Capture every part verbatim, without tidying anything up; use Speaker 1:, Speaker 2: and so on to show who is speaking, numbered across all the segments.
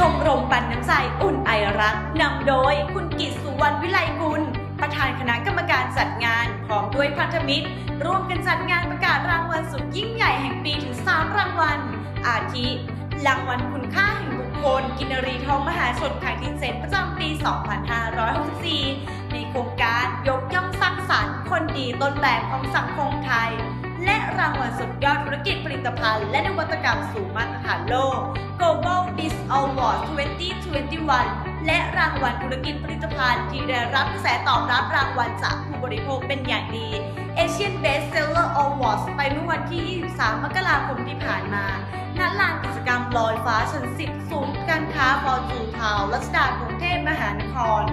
Speaker 1: มรมปันน้ำใจอุ่นไอรักนำโดยคุณกิตสุวรรณวิไลกุลประธานคณะกรรมการจัดงานพร้อมด้วยพันธมิตรร่วมกันจัดงานประกาศรางวัลสุดยิ่งใหญ่แห่งปีถึงสามรางวัลอาทิรางวัลคุณค่าแห่งบุคคลกินรีทองมหาชนครั้งที่เจ็ดประจำปี สองพันห้าร้อยหกสิบสี่ ในโครงการยกย่องสร้างสรรค์คนดีต้นแบบของสังคมไทยและรางวัลสุดยอดธุรกิจผลิตภัณฑ์และนวัตกรรมสู่มาตรฐานโลก Global Biz Award สองพันยี่สิบเอ็ด และรางวัลธุรกิจผลิตภัณฑ์ที่ได้รับกระแสตอบรับรางวัลจากผู้บริโภคเป็นอย่างดี Asian Best Seller Awards ไปเมื่อวันที่ ยี่สิบสาม มกราคมที่ผ่านมาณลานกิจกรรมลอยฟ้าชั้น สิบ ศูนย์การค้าฟอร์จูนทาวน์รัชดากรุงเทพมหานคร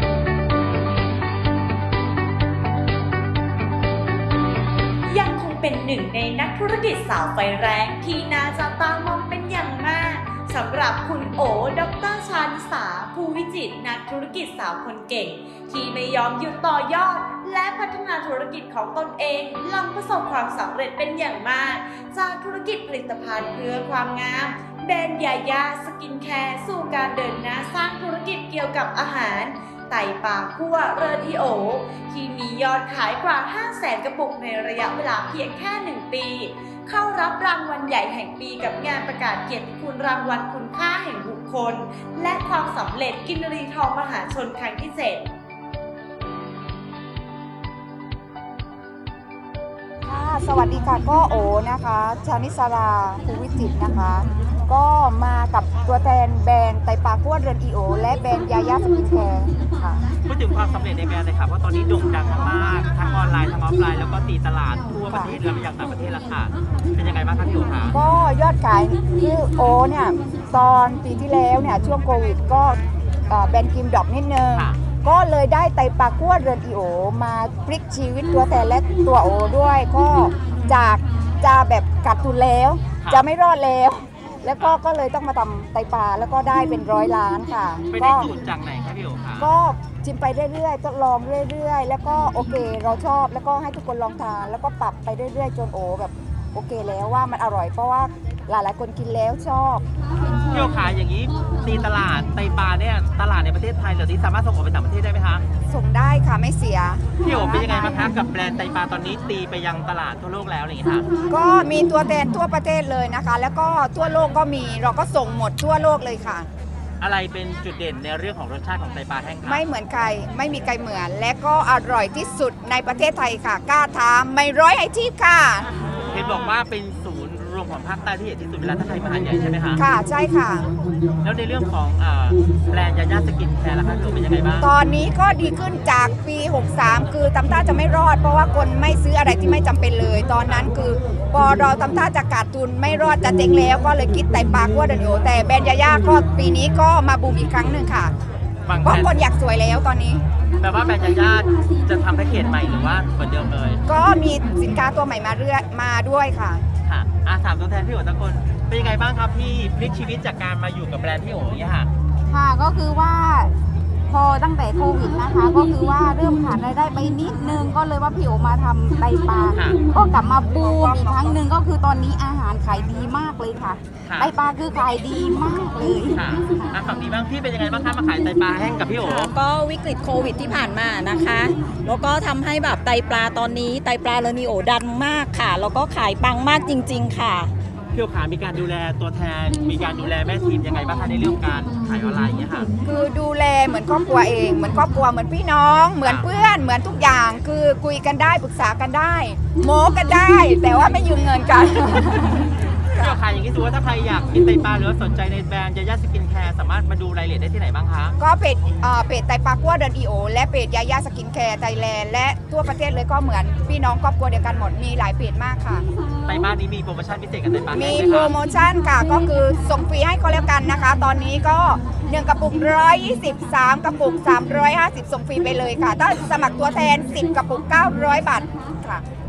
Speaker 1: ยังคงเป็นหนึ่งในนักธุรกิจสาวไฟแรงที่น่าจับตามองเป็นอย่างมากสำหรับคุณโอ ดร.ชานิสา ภูวิจิตรนักธุรกิจสาวคนเก่งที่ไม่ยอมหยุดต่อยอดและพัฒนาธุรกิจของตนเองหลังประสบความสำเร็จเป็นอย่างมากจากธุรกิจผลิตภัณฑ์เพื่อความงามแบรนด์ยายาสกินแคร์สู่การเดินหน้าสร้างธุรกิจเกี่ยวกับอาหารไต่ปลาคั่วเรอทีโอที่มียอดขายกว่า ห้าแสน กระปุกในระยะเวลาเพียงแค่หนึ่งปีเข้ารับรางวัลใหญ่แห่งปีกับงานประกาศเกียรติคุณรางวัลคุณค่าแห่งบุคคลและความสำเร็จกินรีทองมหาชนครั้งที่เจ็ด
Speaker 2: สวัสดีค่ะก็โอนะคะชานิสราภูวิจิตรนะคะก็มากับตัวแทนแบรนด์ไตปลาคั่วเรือนอีโอและแบรนด์ยายาสกินแคร์ค่ะ
Speaker 3: พูดถึงความสำเร็จในแบรนด์เลยค่ะเพราะตอนนี้โด่งดังมากทั้งออนไลน์ทั้งออฟไลน์แล้วก็ตีตลาดทั่วประเทศและไปยังต่างประเทศแล้วค่ะเป็นยังไงบ้างคะพี่โอคะ
Speaker 2: ก็ยอดขายคือโอเนี่ยตอนปีที่แล้วเนี่ยช่วงโควิดก็แบรนด์กิมดอกนิดนึงก็เลยได้ไตปลาคั่วเรือนอีโอมาพลิกชีวิตตัวแทนและตัวโอด้วยก็จากจะแบบกัดทุนแล้วจะไม่รอดแล้วแล้วก็ก็เลยต้องมาทำไตปลาแล้วก็ได้เป็นร้อยล้านค่ะ
Speaker 3: ไปได้สูตรจากไหนคะพี่โอคะ
Speaker 2: ก็ชิมไปเรื่อยๆทดลองเรื่อยๆแล้วก็โอเคเราชอบแล้วก็ให้ทุกคนลองทานแล้วก็ปรับไปเรื่อยๆจนโอแบบโอเคแล้วว่ามันอร่อยเพราะว่าหลายๆคนกินแล้วชอบ
Speaker 3: พี่โอคะอย่างนี้ตีตลาดไตปลาเนี่ยตลาดในประเทศไทยเหล่านี้สามารถส่งออกไปต่างประเทศได้ไหมคะ
Speaker 2: ส่งได้ค่ะไม่เสีย
Speaker 3: พี่โอเป็นยังไงบ้างคะกับแบรนด์ไตปลาตอนนี้ตีไปยังตลาดทั่วโลกแล้วอะไรอย่างนี้ค่ะ
Speaker 2: ก็มีตัวแทนทั่วประเทศเลยนะคะแล้วก็ทั่วโลกก็มีเราก็ส่งหมดทั่วโลกเลยค่ะ
Speaker 3: อะไรเป็นจุดเด่นในเรื่องของรสชาติของไตปลาแห้งคะ
Speaker 2: ไม่เหมือนใครไม่มีใครเหมือนและก็อร่อยที่สุดในประเทศไทยค่ะกล้าท้าไม่ร้อยไอชีพค่ะ
Speaker 3: เห็นบอกว่าเป็นศูนย์รวมของภาคใต้ที่ใหญ่ที่สุดเวลาถ้าใครมาหาดใหญ่ใช่ไหมคะ
Speaker 2: ค่ะใช่ค่ะ
Speaker 3: แล้วในเรื่องของแบรนด์ยายาสกินแคร์ล่ะคะพี่โอเป็นยังไงบ้าง
Speaker 2: ตอนนี้ก็ดีขึ้นจากปีหกสามคือทำท่าจะไม่รอดเพราะว่าคนไม่ซื้ออะไรที่ไม่จำเป็นเลยตอนนั้นคือพอเราทำท่าจะขาดทุนไม่รอดจะเจ๊งแล้วก็เลยคิดไต่ปลาคั่วเรือนอีโอแต่แบรนด์ยายาก็ปีนี้ก็มาบูมอีกครั้งหนึ่งค่ะเพราะคนอยากสวยแล้วตอนนี้
Speaker 3: แปลว่าแบรนด์ยายาจะทำแพ็กเกจใหม่หรือว่าเหมือนเดิมเลย
Speaker 2: ก็มีสินค้าตัวใหม่มาเรื่อยมาด้วยค่ะ
Speaker 3: ค่ะอาถามตัวแทนพี่โอ๋ทุกคนเป็นยังไงบ้างครับพี่พลิกชีวิตจากการมาอยู่กับแบรนด์พี่โอ๋เนี่ยค่ะ
Speaker 4: ค่ะก็คือว่าพอตั้งแต่โควิดนะคะก็คือว่าเริ่มขาดรายได้ไปนิดนึงก็เลยว่าพี่โอมาทำไตปลาก็กลับมาบูมอีกครั้งหนึ่งก็คือตอนนี้อาหารขายดีมากเลยค่ะไตปลาคือขายดีมากเลย
Speaker 3: ค่ะฝั่งนี้บ้างพี่เป็นยังไงบ้างคะมาขายไตปลาแห้งกับพี่โอ
Speaker 5: ก็วิกฤตโควิดที่ผ่านมานะคะแล้วก็ทำให้แบบไตปลาตอนนี้ไตปลาเรนิโอดันมากค่ะแล้วก็ขายปังมากจริงๆค่ะ
Speaker 3: พี่โอขามีการดูแลตัวแทนมีการดูแลแม่ทีมยังไงบ้างคะในเรื่องการขายออนไลน์อย่างเงี้ยค่ะ
Speaker 2: คือดูแลเหมือนครอบครัวเองเหมือนครอบครัวเหมือนพี่น้องเหมือนเพื่อนเหมือนทุกอย่างคือคุยกันได้ปรึกษากันได้โม้กันได้แต่ว่าไม่ยืมเงินกัน
Speaker 3: พี่โอขาอย่างนี้ถือว่าถ้าใครอยากกินไตปลาหรือสนใจในแบรนด์ยายาสกินแคร์สามารถมาดูรายละเอียดได้ที่ไหนบ้างคะ
Speaker 2: ก็เพจเพจไตปลาคั่วเรือนอีโอและเพจยายาสกินแคร์ไทยแลนด์และทั่วประเทศเลยก็เหมือนพี่น้องครอบครัวเดียวกันหมดมีหลายเพจมากค่ะ
Speaker 3: ไตปลานี้มีโปรโมชั่นพิเศษกับไตปลา
Speaker 2: มีโปรโมชั่นค่ะก็คือส่งฟรีให้ก็แล้วกันนะคะตอนนี้ก็หนึ่งกระปุกหนึ่งร้อยยี่สิบ สามกระปุกสามร้อยห้าสิบส่งฟรีไปเลยค่ะถ้าสมัครตัวแทนสิบกระปุกเก้าร้อยบาทค่ะ